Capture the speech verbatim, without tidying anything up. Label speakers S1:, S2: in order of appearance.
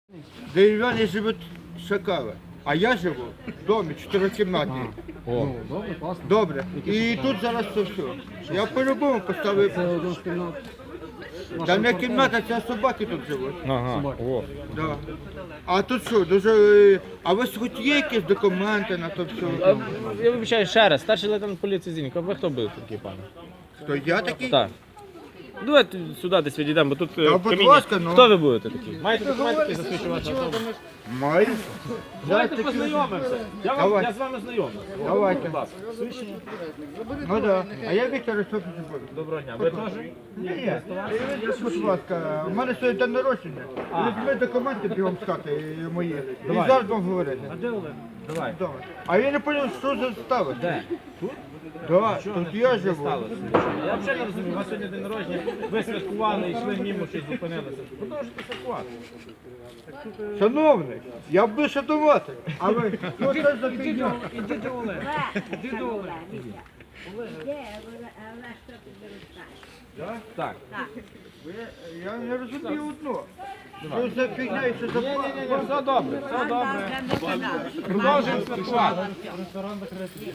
S1: Дерев'яний живуть шакали, а я живу в домі чотирикімнатній.
S2: О,
S3: Добре, класно.
S1: Добре. І тут зараз це все. Я по-любому поставив.
S3: Це один з кімнат.
S1: Та не кімната, це собаки тут живуть.
S2: ага, о.
S1: Да. А тут що, дуже. е, А у вас хоч є якісь документи на то все?
S2: А, Я вибачаю ще раз, старший лейтенант поліції Зінько, ви хто був такий, пане?
S1: То я такий?
S2: Так. Давайте сюди десь відійдемо, бо тут е,
S1: Та, будь
S2: каміння.
S1: ласка, ну.
S2: Хто ви будете такі? Маєте документи, які засвідчують вашу особу?
S1: Маю.
S2: Давайте познайомимося. Я, вам,
S1: Давай.
S2: я з вами знайомий.
S1: Давайте.
S2: Будь ласка. Свідчення.
S1: Ну да. А я Віктор Ісофович.
S2: Доброго дня. Ви теж?
S1: Ні, ні. Будь ласка, у мене сьогодні день народження. Візьми документи бігом з хати мої. І
S2: Давай.
S1: зараз вам говорити.
S2: А де Олег? Давай.
S1: Да. А я не зрозумів, що це сталося.
S2: Де? Тут?
S1: Да, тут я живу.
S2: Сталося. Я взагалі не розумію, у вас сьогодні день народження, ви святкували, йшли мимо, щось зупинилися. Продовжуйте святкувати.
S1: Шановний, я буду шатувати. А ви, що це за фігня?
S2: Іди до Олега.
S4: Іди до Олега. Де, але що ти розкажеш?
S2: Так.
S1: Ви- Я не розумію одно. Що за фігня і що за
S2: Ні, ні, ні,
S1: план?
S2: все добре, все добре.
S4: Там вже не казали.
S2: Продовжуємо святкувати.